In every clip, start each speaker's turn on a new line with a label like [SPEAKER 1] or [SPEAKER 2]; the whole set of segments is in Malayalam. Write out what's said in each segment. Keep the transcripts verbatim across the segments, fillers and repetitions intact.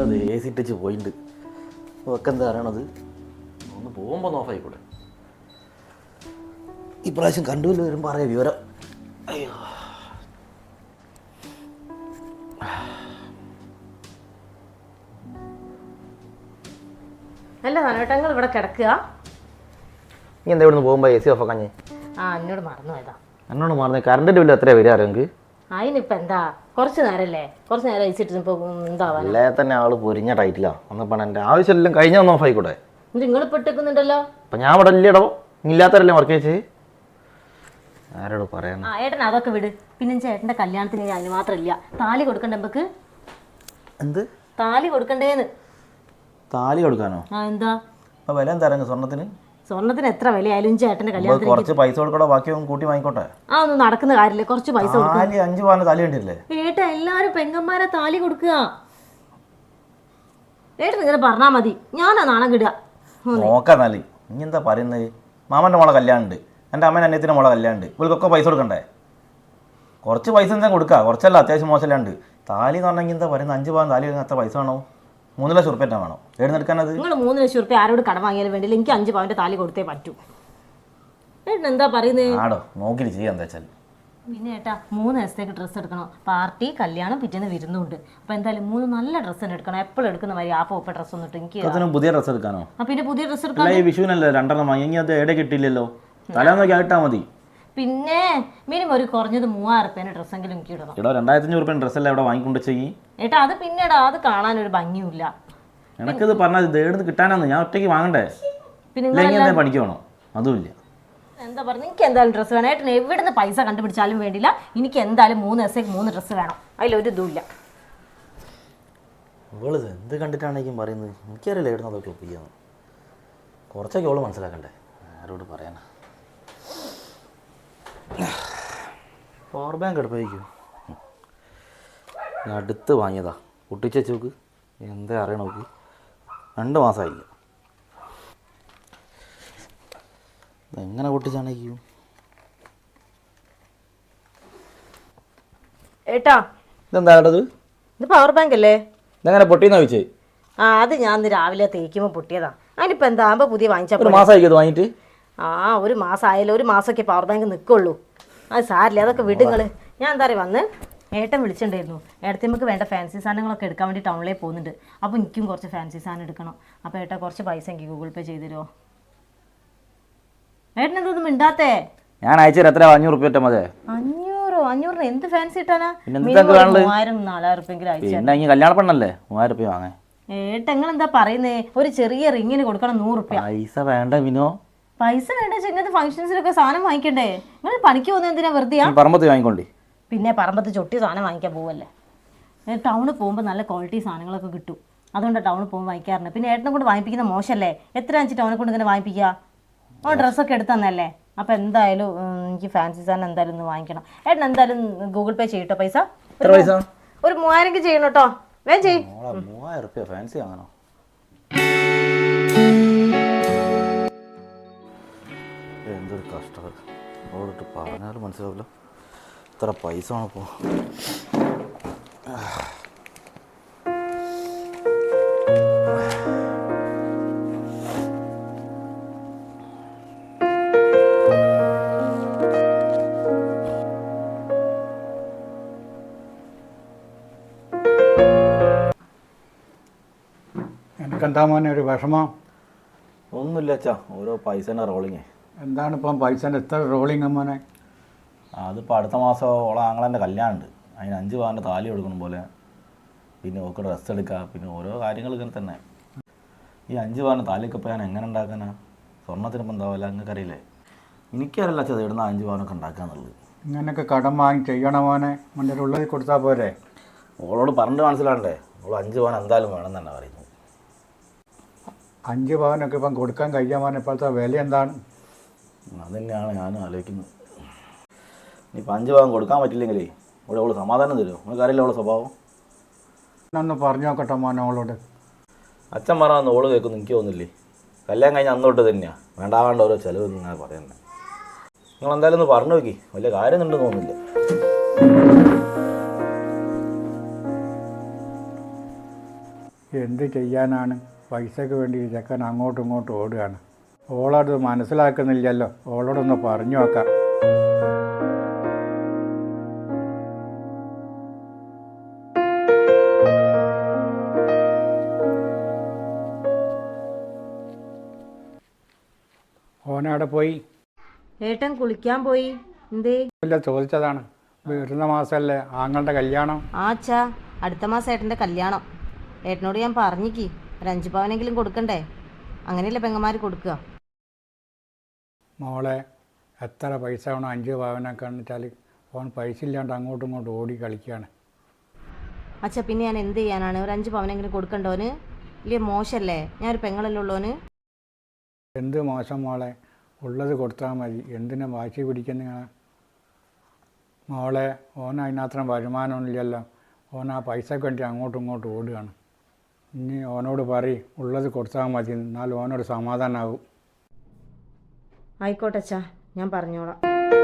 [SPEAKER 1] നല്ലത് എ സി ഇട്ടിച്ച് പോയിട്ടുണ്ട്. ഒക്കെ എന്താ അറിയണത്, ഒന്ന് പോകുമ്പോൾ നോഫായിക്കൂടെ. ഇപ്രാവശ്യം കണ്ടുവില്ല വരുമ്പോൾ അറിയാം വിവരം. അയ്യോ
[SPEAKER 2] അല്ല നനോട്ടങ്ങൾ ഇവിടെ കിടക്കുക.
[SPEAKER 1] നീ എന്താ ഇവിടുന്ന് പോകുമ്പോൾ എ സി ഓഫ് ആക്കാഞ്ഞേ?
[SPEAKER 2] ആ എന്നോട് മറന്നു പോയതാ.
[SPEAKER 1] എന്നോട് മറന്നേ. കറണ്ടിൻ്റെ ബില്ല് എത്രയാണ് വരിക അറിയാമെങ്കിൽ?
[SPEAKER 2] അതിനിപ്പോൾ എന്താ, കുറച്ച് നേരമല്ലേ, കുറച്ച് നേരം അയച്ചിട്ട് ഇപ്പോൾ എന്താവാ.
[SPEAKER 1] അല്ലേ തന്നെ ആൾ പൊരിഞ്ഞ ടൈറ്റിലാണ്. അന്നപ്പോൾ എൻ്റെ ആവശ്യമെല്ലാം കഴിഞ്ഞാൽ ഒന്ന് ഓഫായിക്കൂടെ.
[SPEAKER 2] നിങ്ങൾ പെട്ടിക്കുന്നുണ്ടല്ലോ.
[SPEAKER 1] അപ്പം ഞാൻ ഇവിടെ ഇല്ലടോ, ഇല്ലാത്തവരല്ലേ വർക്ക് ചെയ്ത്. ആരോട് പറയാൻ.
[SPEAKER 2] ആ ഏട്ടൻ അതൊക്കെ വിട്. പിന്നെ ചേട്ടൻ്റെ കല്യാണത്തിന് അതിന് മാത്രമില്ല താലി കൊടുക്കണ്ടേ നമുക്ക്?
[SPEAKER 1] എന്ത്
[SPEAKER 2] താലി കൊടുക്കണ്ടേന്ന്?
[SPEAKER 1] താലി കൊടുക്കാനോ?
[SPEAKER 2] ആ എന്താ
[SPEAKER 1] അപ്പോൾ വില എന്താ അറിയാം സ്വർണ്ണത്തിന്?
[SPEAKER 2] സ്വർണ്ണത്തിന് എത്ര വിലയായാലും ചേട്ടൻ്റെ കല്യാണത്തിന്
[SPEAKER 1] കുറച്ച് പൈസ കൊടുക്കണോ, ബാക്കി കൂട്ടി വാങ്ങിക്കോട്ടെ.
[SPEAKER 2] ആ ഒന്നും നടക്കുന്ന കാര്യമില്ല, കുറച്ച് പൈസ
[SPEAKER 1] താലി അഞ്ച് പവന് താലി വേണ്ടിയില്ലേ?
[SPEAKER 2] ഏട്ടാ എല്ലാരും പെങ്ങന്മാരെ താലി കൊടുക്കുക. ഏട്ടൻ ഇങ്ങനെ പറഞ്ഞാൽ മതി, ഞാനാ നാണം കിടുക.
[SPEAKER 1] നോക്കാം താലി. ഇനി എന്താ പറയുന്നത്? മാമൻ്റെ മോളെ കല്യാണം ഉണ്ട്, എൻ്റെ അമ്മേൻ്റെ അനിയത്തിൻ്റെ മോളെ കല്യാണം ഉണ്ട്. ഇവർക്കൊക്കെ പൈസ കൊടുക്കണ്ടേ? കുറച്ച് പൈസ എന്താ കൊടുക്കുക, കുറച്ചല്ല അത്യാവശ്യം മോശമല്ലാണ്ട്. താലി എന്ന് പറഞ്ഞെങ്കിൽ എന്താ പറയുന്നത്, അഞ്ച് പവൻ താലി എത്ര പൈസ വേണോ? മൂന്ന് ലക്ഷം ഉറുപ്പ്യ വേണം. എവിടെ എടുക്കാനത്? നിങ്ങൾ
[SPEAKER 2] മൂന്ന് ലക്ഷം ഉറുപ്പ്യ ആരോട് കടം വാങ്ങിയാലും വേണ്ടില്ല, എനിക്ക് അഞ്ച് പവൻ്റെ താലി കൊടുത്തേ പറ്റൂ. ഏട്ടൻ എന്താ പറയുന്നത്?
[SPEAKER 1] ആടോ നോക്കിയിട്ട് ചെയ്യാം എന്താ വെച്ചാൽ.
[SPEAKER 2] പിന്നെ ഏട്ടാ മൂന്ന് ദിവസത്തേക്ക് ഡ്രസ്സ് എടുക്കണം. പാർട്ടി, കല്യാണം, പിറ്റേന്ന് വിരുന്നുണ്ട്. അപ്പോൾ എന്തായാലും മൂന്ന് നല്ല ഡ്രസ്സ് തന്നെ എടുക്കണം. എപ്പോഴും എടുക്കുന്ന മാതിരി ആപ്പോ ഒപ്പ ഡ്രസ്സ് ഒന്നിട്ട് എനിക്ക്
[SPEAKER 1] പുതിയ ഡ്രസ്സ് എടുക്കാനോ?
[SPEAKER 2] ആ പിന്നെ പുതിയ ഡ്രസ്സ് എടുക്കാൻ.
[SPEAKER 1] ഈ വിഷുവിനല്ലേ രണ്ടെണ്ണം വാങ്ങി, അത് എവിടെ കിട്ടിയില്ലല്ലോ. തലേന്ന് നോക്കി ആയിട്ടാ മതി.
[SPEAKER 2] പിന്നെ മിനിമം ഒരു കുറഞ്ഞത് മൂവായിരം റുപ്യേൻ്റെ ഡ്രസ്സെങ്കിലും എനിക്ക് ഇടണം.
[SPEAKER 1] ഇവിടെ രണ്ടായിരത്തി അഞ്ഞൂറ് റുപ്യ ഡ്രസ്സല്ലേ ഇവിടെ വാങ്ങിക്കൊണ്ട് ചെയ്യും.
[SPEAKER 2] ഏട്ടാ അത് പിന്നെടാ അത് കാണാനൊരു ഭംഗിയില്ല.
[SPEAKER 1] എനിക്കത് പറഞ്ഞാൽ ഇത് എവിടെ കിട്ടാനാന്ന്, ഞാൻ ഒറ്റയ്ക്ക് വാങ്ങണ്ടേ? പിന്നെ പണിക്ക് വേണോ? അതുമില്ല.
[SPEAKER 2] എന്താ പറഞ്ഞു, എനിക്ക് എന്തായാലും ഡ്രസ്സ് വേണം. ഏട്ടൻ എവിടെ നിന്ന് പൈസ കണ്ടുപിടിച്ചാലും വേണ്ടില്ല, എനിക്ക് എന്തായാലും മൂന്ന് ദിവസത്തേക്ക് മൂന്ന് ഡ്രസ്സ് വേണം. അതിലൊരു ഇതുമില്ല.
[SPEAKER 1] ഇവള് എന്ത് കണ്ടിട്ടാണെങ്കിലും പറയുന്നത്, എനിക്കറിയില്ല എവിടെ നിന്ന് അതൊക്കെ ഒപ്പിക്കാന്ന്. കുറച്ചൊക്കെ അവള് മനസ്സിലാക്കണ്ടേ, ആരോട് പറയാനാ. പവർ ബാങ്ക് എടുപ്പായിരിക്കും, ഞാൻ അടുത്ത് വാങ്ങിയതാ. പൊട്ടിച്ച് നോക്ക്, എന്താ അറിയണ നോക്ക്. രണ്ട് മാസമായില്ല. എങ്ങനെ പൊട്ടിച്ചാണേക്കും?
[SPEAKER 2] ഏട്ടാ
[SPEAKER 1] ഇതെന്താ ഇത്?
[SPEAKER 2] ഇത് പവർ ബാങ്ക് അല്ലേ?
[SPEAKER 1] ഇതെങ്ങനെ പൊട്ടിയെന്നാ ചോദിച്ചേ?
[SPEAKER 2] ആ അത് ഞാൻ ഇന്ന് രാവിലെ തേക്കുമ്പോൾ പൊട്ടിയതാ. അതിനിപ്പോൾ എന്താ ആകുമ്പോൾ പുതിയ വാങ്ങിച്ചാൽ
[SPEAKER 1] ഒരു മാസമായിരിക്കും അത് വാങ്ങിയിട്ട്?
[SPEAKER 2] ആ ഒരു മാസം ആയാലും ഒരു മാസമൊക്കെ പവർ ബാങ്ക് നിൽക്കുള്ളൂ. അത് സാരില്ല, അതൊക്കെ വിടുങ്ങൾ. ഞാൻ എന്താ പറയുക, വന്ന് ഏട്ടൻ വിളിച്ചിട്ടുണ്ടായിരുന്നു. ഏട്ടത്തി നമുക്ക് വേണ്ട ഫാൻസി സാധനങ്ങളൊക്കെ എടുക്കാൻ വേണ്ടി ടൗണിലേക്ക് പോകുന്നുണ്ട്. അപ്പോൾ എനിക്കും കുറച്ച് ഫാൻസി സാധനം എടുക്കണം. അപ്പോൾ ഏട്ടാ കുറച്ച് പൈസ എനിക്ക് ഗൂഗിൾ പേ ചെയ്ത് തരുമോ? ഏട്ടൻ എന്തൊന്നും മിണ്ടാത്തേ?
[SPEAKER 1] ഞാൻ അയച്ചു എത്ര? അഞ്ഞൂറ് റുപ്യ മതി.
[SPEAKER 2] അഞ്ഞൂറോ? അഞ്ഞൂറിന് എന്ത് ഫാൻസി ഇട്ടാനാ? മൂവായിരം നാലായിരം റുപ്യെങ്കിലും അയച്ചു.
[SPEAKER 1] കല്യാണ പെണ്ണല്ലേ, മൂവായിരം റുപ്യ വാങ്ങേ.
[SPEAKER 2] ഏട്ടൻ നിങ്ങൾ എന്താ പറയുന്നേ? ഒരു ചെറിയ റിങ്ങിന് കൊടുക്കണം നൂറ് റുപ്യ.
[SPEAKER 1] പൈസ വേണ്ട വിനോ.
[SPEAKER 2] പൈസ വേണ്ട, ഇങ്ങനത്തെ ഫംഗ്ഷൻസിലൊക്കെ സാധനം വാങ്ങിക്കണ്ടേ? നിങ്ങൾ പണിക്ക് പോകുന്നത് എന്തിനാ? വെറുതെ
[SPEAKER 1] പറമ്പത്ത് വാങ്ങിക്കൊണ്ടി.
[SPEAKER 2] പിന്നെ പറമ്പത്ത് ചൊട്ടി സാധനം വാങ്ങിക്കാൻ പോവല്ലേ? ടൗണിൽ പോകുമ്പോൾ നല്ല ക്വാളിറ്റി സാധനങ്ങളൊക്കെ കിട്ടും. അതുകൊണ്ടാണ് ടൗണിൽ പോകുമ്പോൾ വാങ്ങിക്കാറുണ്ട്. പിന്നെ ഏട്ടനെ കൊണ്ട് വാങ്ങിപ്പിക്കുന്ന മോശമല്ലേ? എത്ര അഞ്ച് ടൗണിൽ കൊണ്ട് ഇങ്ങനെ വാങ്ങിപ്പിക്കുക? ഓ ഡ്രസ്സൊക്കെ എടുത്ത് തന്നല്ലേ? അപ്പോൾ എന്തായാലും എനിക്ക് ഫാൻസി സാധനം എന്തായാലും ഒന്ന് വാങ്ങിക്കണം. ഏട്ടൻ എന്തായാലും ഗൂഗിൾ പേ ചെയ്യട്ടോ പൈസ. ഒരു മൂവായിരം ചെയ്യണം കേട്ടോ, വേഗം ചെയ്യും.
[SPEAKER 1] മൂവായിരം റുപ്യ ഫാൻസി വാങ്ങണോ? എന്തൊരു കഷ്ടം, അവളോട്ട് പറഞ്ഞാലും മനസ്സിലാവില്ല. ഇത്ര പൈസ ആണിപ്പോൾ.
[SPEAKER 3] എനിക്കെന്താ മോനെ ഒരു വിഷമം?
[SPEAKER 1] ഒന്നുമില്ല അച്ഛാ, ഓരോ പൈസേൻ്റെ റോളിങ്.
[SPEAKER 3] എന്താണ് ഇപ്പം പൈസേൻ്റെ എത്ര റോളിങ് മോനെ?
[SPEAKER 1] അതിപ്പോൾ അടുത്ത മാസം ഓളെ ആങ്ങളെൻ്റെ കല്യാണം ഉണ്ട്, അതിന് അഞ്ച് പവൻ്റെ താലി കൊടുക്കണം പോലെ. പിന്നെ ഓക്ക് ഡ്രസ്സ് എടുക്കുക, പിന്നെ ഓരോ കാര്യങ്ങൾ ഇങ്ങനെ തന്നെ. ഈ അഞ്ച് പവൻ്റെ താലിയൊക്കെ ഇപ്പോൾ ഞാൻ എങ്ങനെ ഉണ്ടാക്കാനാ? സ്വർണ്ണത്തിനിപ്പോൾ എന്താവില്ല, നിങ്ങൾക്കറിയില്ലേ? എനിക്കറിയില്ല അച്ഛാ ഇവിടുന്ന് അഞ്ച് പവനൊക്കെ ഉണ്ടാക്കാന്നുള്ളത്.
[SPEAKER 3] ഇങ്ങനെയൊക്കെ കടം വാങ്ങി ചെയ്യണം മോനെ, മുന്നേ ഉള്ളത് കൊടുത്താൽ പോരെ?
[SPEAKER 1] ഓളോട് പറഞ്ഞിട്ട് മനസ്സിലാണ്ടേ? ഓൾ അഞ്ച് പവൻ എന്തായാലും വേണം തന്നെ പറയുന്നു.
[SPEAKER 3] അഞ്ച് പവനൊക്കെ ഇപ്പം കൊടുക്കാൻ കഴിയാൻ മോനെ, ഇപ്പോഴത്തെ വില എന്താണ്?
[SPEAKER 1] അത് തന്നെയാണ് ഞാനും ആലോചിക്കുന്നത്. ഇനിയിപ്പോൾ അഞ്ച് പവൻ കൊടുക്കാൻ പറ്റില്ലെങ്കിലേ ഇവിടെ അവൾ സമാധാനം തരുമോ? നിങ്ങൾക്കറിയില്ല അവളുടെ സ്വഭാവം.
[SPEAKER 3] ഒന്ന് പറഞ്ഞു നോക്കട്ടെ മോനെ അവളോട്.
[SPEAKER 1] അച്ഛൻ പറഞ്ഞാൽ ഓള് കേൾക്കുന്നു, എനിക്ക് തോന്നുന്നില്ലേ? കല്യാണം കഴിഞ്ഞാൽ അന്നോട്ട് തന്നെയാണ് വേണ്ട വേണ്ട ഓരോ ചിലവ് ഇങ്ങനെ പറയുന്നത്. നിങ്ങൾ എന്തായാലും ഒന്ന് പറഞ്ഞു നോക്കി, വലിയ കാര്യമൊന്നുണ്ടെന്ന് തോന്നുന്നില്ല.
[SPEAKER 3] എന്ത് ചെയ്യാനാണ്? പൈസയ്ക്ക് വേണ്ടി ഈ ചെക്കൻ അങ്ങോട്ടും ഇങ്ങോട്ടും ഓടുകയാണ്. ഓളത് മനസ്സിലാക്കുന്നില്ലല്ലോ. ഓളോടൊന്ന് പറഞ്ഞു നോക്കാം. ഓനവിടെ പോയി
[SPEAKER 2] ഏട്ടൻ കുളിക്കാൻ പോയി. എന്തേ?
[SPEAKER 3] ഇല്ല, ചോദിച്ചതാണ്. വരുന്ന മാസമല്ലേ ആങ്ങളുടെ കല്യാണം?
[SPEAKER 2] ആ അച്ഛാ, അടുത്ത മാസം ഏട്ടൻ്റെ കല്യാണം. ഏട്ടനോട് ഞാൻ പറഞ്ഞിക്ക് ഒരു അഞ്ച് പവനെങ്കിലും കൊടുക്കണ്ടേ? അങ്ങനെയല്ലേ പെങ്ങന്മാർ കൊടുക്കുക.
[SPEAKER 3] മോളെ, എത്ര പൈസ വേണം? അഞ്ച് പവനൊക്കെ വെച്ചാൽ ഓൻ പൈസ ഇല്ലാണ്ട് അങ്ങോട്ടും ഇങ്ങോട്ടും ഓടി കളിക്കുകയാണ്.
[SPEAKER 2] അച്ഛാ, പിന്നെ ഞാൻ എന്ത് ചെയ്യാനാണ്? ഒരു അഞ്ച് പവനെങ്കിലും കൊടുക്കണ്ടോന്? ഇല്ലേ, മോശമല്ലേ? ഞാനൊരു പെങ്ങളല്ലേ ഉള്ളോന്.
[SPEAKER 3] എന്ത് മോശം മോളെ, ഉള്ളത് കൊടുത്താൽ മതി. എന്തിനാ വാശി പിടിക്കുന്ന മോളെ? ഓൻ അതിനത്രയും വരുമാനമൊന്നുമില്ലല്ലോ. ഓൻ ആ പൈസക്ക് വേണ്ടി അങ്ങോട്ടും ഇങ്ങോട്ടും ഓടുകയാണ്. ഇനി ഓനോട് പറയും ഉള്ളത് കൊടുത്താൽ മതി, എന്നാൽ ഓനോട് സമാധാനമാകും.
[SPEAKER 2] ആയിക്കോട്ടെ അച്ഛാ, ഞാൻ പറഞ്ഞോളാം.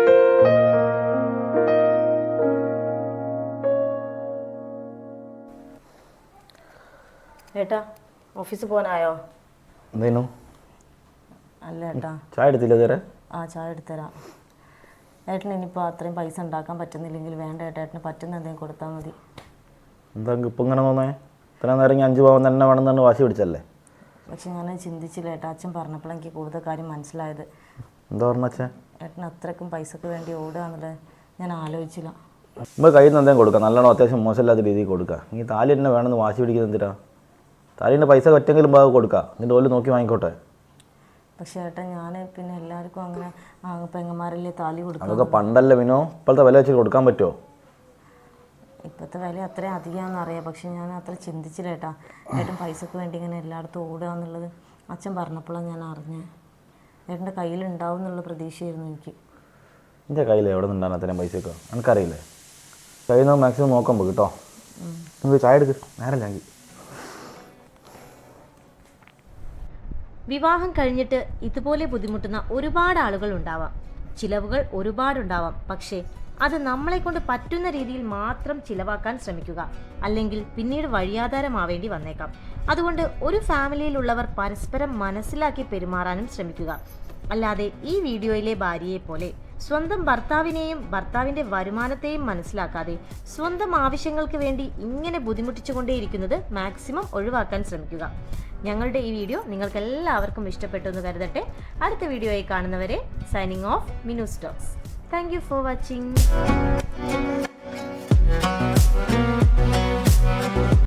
[SPEAKER 2] ഏട്ടാ, ഓഫീസിൽ പോകാനായോ?
[SPEAKER 1] എന്തേനു?
[SPEAKER 2] അല്ല ഏട്ടാ,
[SPEAKER 1] ചായ എടുത്തില്ല ഇതുവരെ?
[SPEAKER 2] ആ ചായ എടുത്തരാം. ഏട്ടന് ഇനിയിപ്പോൾ അത്രയും പൈസ ഉണ്ടാക്കാൻ പറ്റുന്നില്ലെങ്കിൽ വേണ്ട ഏട്ടാ, ഏട്ടന് പറ്റുന്ന എന്തെങ്കിലും കൊടുത്താൽ മതി.
[SPEAKER 1] എന്താ ഇപ്പം ഇങ്ങനെ തോന്നേ? ഇത്ര നേരം ഇങ്ങനെ അഞ്ച് പവൻ തന്നെ വേണം തന്നെ വാശി പിടിച്ചല്ലേ?
[SPEAKER 2] പക്ഷെ ഞാൻ ചിന്തിച്ചില്ല ഏട്ടാ. അച്ഛൻ പറഞ്ഞപ്പോൾ എനിക്ക് കൂടുതൽ കാര്യം മനസ്സിലായത്.
[SPEAKER 1] എന്താ പറഞ്ഞ അച്ഛൻ?
[SPEAKER 2] ഏട്ടന് അത്രയ്ക്കും പൈസക്ക് വേണ്ടി ഓടുക എന്നുള്ളത് ഞാൻ ആലോചിച്ചില്ല.
[SPEAKER 1] നമ്മൾ കയ്യിൽ നിന്ന് എന്തെങ്കിലും കൊടുക്കാം, നല്ലോണം അത്യാവശ്യം മോശമില്ലാത്ത രീതിയിൽ കൊടുക്കുക. നീ താലി തന്നെ വേണമെന്ന് വാശി പിടിക്കുന്നത് എന്തിനാ? താലിൻ്റെ പൈസ ഒറ്റെങ്കിലും ഭാഗം കൊടുക്കുക, നിൻ്റെ ഓല് നോക്കി വാങ്ങിക്കോട്ടെ.
[SPEAKER 2] പക്ഷേ ഏട്ടാ, ഞാൻ പിന്നെ എല്ലാവർക്കും അങ്ങനെ പെങ്ങന്മാരല്ലേ താലി കൊടുക്കുക.
[SPEAKER 1] അതൊക്കെ പണ്ടല്ലേ വിനോ, ഇപ്പോഴത്തെ വില വെച്ച് കൊടുക്കാൻ പറ്റുമോ?
[SPEAKER 2] ഇപ്പോഴത്തെ വില അത്രയും അധികമാണെന്നറിയാം, പക്ഷെ ഞാൻ അത്ര ചിന്തിച്ചില്ല ഏട്ടാ. ഏട്ടൻ പൈസക്ക് വേണ്ടി ഇങ്ങനെ എല്ലായിടത്തും ഓടുക എന്നുള്ളത് അച്ഛൻ പറഞ്ഞപ്പോഴാണ് ഞാൻ അറിഞ്ഞത്. ഏട്ടൻ്റെ കയ്യിലുണ്ടാവും എന്നുള്ള പ്രതീക്ഷയായിരുന്നു എനിക്ക്.
[SPEAKER 1] എൻ്റെ കയ്യിൽ എവിടെ നിന്നുണ്ടാകും അത്രയും പൈസയൊക്കെ? എനിക്കറിയില്ലേ. കയ്യിൽ നിന്ന് മാക്സിമം നോക്കുമ്പോൾ കേട്ടോ. നമുക്ക് ചായ എടുക്ക്, നേരമില്ലെങ്കിൽ.
[SPEAKER 2] വിവാഹം കഴിഞ്ഞിട്ട് ഇതുപോലെ ബുദ്ധിമുട്ടുന്ന ഒരുപാട് ആളുകൾ ഉണ്ടാവാം. ചിലവുകൾ ഒരുപാടുണ്ടാവാം. പക്ഷേ അത് നമ്മളെ കൊണ്ട് പറ്റുന്ന രീതിയിൽ മാത്രം ചിലവാക്കാൻ ശ്രമിക്കുക. അല്ലെങ്കിൽ പിന്നീട് വഴിയാധാരമാവേണ്ടി വന്നേക്കാം. അതുകൊണ്ട് ഒരു ഫാമിലിയിലുള്ളവർ പരസ്പരം മനസ്സിലാക്കി പെരുമാറാനും ശ്രമിക്കുക. അല്ലാതെ ഈ വീഡിയോയിലെ ഭാര്യയെ പോലെ സ്വന്തം ഭർത്താവിനെയും ഭർത്താവിൻ്റെ വരുമാനത്തെയും മനസ്സിലാക്കാതെ സ്വന്തം ആവശ്യങ്ങൾക്ക് വേണ്ടി ഇങ്ങനെ ബുദ്ധിമുട്ടിച്ചുകൊണ്ടേയിരിക്കുന്നത് മാക്സിമം ഒഴിവാക്കാൻ ശ്രമിക്കുക. ഞങ്ങളുടെ ഈ വീഡിയോ നിങ്ങൾക്ക് എല്ലാവർക്കും ഇഷ്ടപ്പെട്ടു എന്ന് കരുതട്ടെ. അടുത്ത വീഡിയോയിൽ കാണുന്നവരെ signing off Minu Stokes. Thank you for watching.